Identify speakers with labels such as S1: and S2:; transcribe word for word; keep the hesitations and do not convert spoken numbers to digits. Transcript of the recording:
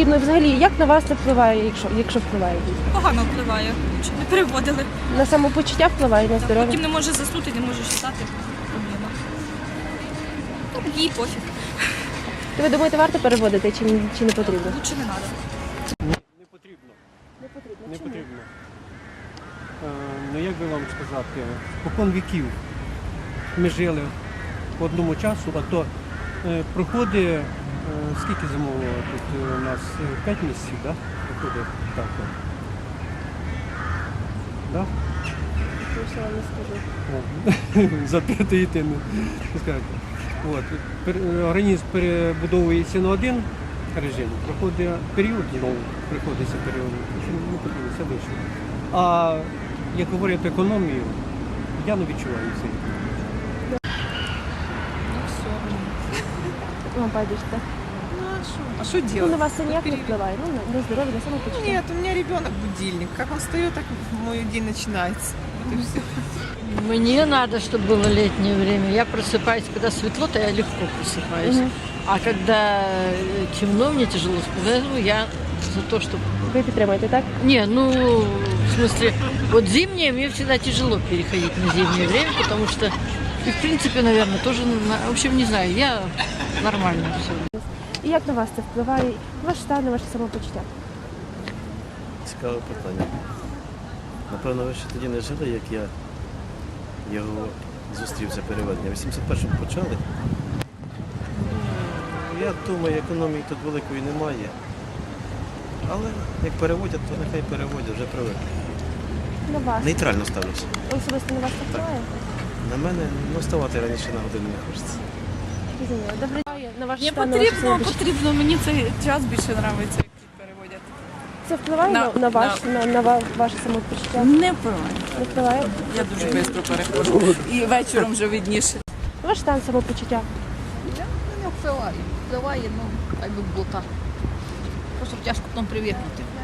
S1: ну і взагалі, як на вас це впливає, якщо, якщо впливає?
S2: Погано впливає, щоб не переводили.
S1: На самопочуття впливає, на здоров'я?
S2: Потім не може заснути, не може читати. Проблема. Ну, їй пофіг.
S1: То ви думаєте, варто переводити чи, чи не потрібно?
S2: Лучше не треба.
S3: Не потрібно.
S1: Не потрібно.
S3: Не потрібно. Е, ну як би вам сказати, покон віків ми жили по одному часу, а то е, проходить, е, скільки зимового тут е, у нас п'ять місяців, да? Проходить так. Да?
S1: Я вам не скажу.
S3: О, запитуєте, не скажете. От. пер- Організм перебудовується на один режим, проходить період, знову приходиться період, не потрібно, все вийшло. А як говорять економію, я не відчуваю цей.
S1: Вам байдуже, так?
S4: Ну а что? А что
S1: Ну,
S4: делать?
S1: на вас це ніяк не впливає, ну, на, на здоров'я, на самопочуття.
S4: Нет, у меня ребенок будильник. Как он встает, так мой день начинается. Вот и все.
S5: Мне надо, чтобы было летнее время. Я просыпаюсь, когда светло, то я легко просыпаюсь.
S1: Мгм.
S5: А когда э, темно, мне тяжело спать. Поэтому я за то, чтобы...
S1: Ви підтримуєте, так?
S5: Не, ну, в смысле, вот зимнее мне всегда тяжело переходить на зимнее время, потому что, и в принципе, наверное, тоже, на- в общем, не знаю, я нормально все.
S1: І як на вас це впливає? Ваш стан, на ваше самопочуття?
S6: Цікаве питання. Напевно, ви ще тоді не жили, як я його зустрів за переведення. В вісімдесят першому почали. Ну, я думаю, економії тут великої немає. Але як переводять, то нехай переводять, вже привикли.
S1: На вас?
S6: Нейтрально ставлюся.
S1: Особисто на вас це впливає?
S6: На мене ну, вставати раніше на годину не хочеться.
S1: Зрозуміло. Добре. На ваш
S2: Не
S1: стан, на ваше
S2: потрібно,
S1: самопочуття?
S2: потрібно. Мені цей час більше подобається, як переводять.
S1: Це впливає на,
S2: На-
S1: на, ваш, на, на ва- ваше самопочуття?
S2: Не впливає.
S1: Не впливає?
S2: Я дуже швидко переходжу. І вечором вже видніше.
S1: Ваш стан самопочуття?
S7: Не впливає. Впливає, ну, хай би було так. Просто тяжко потім привикнути.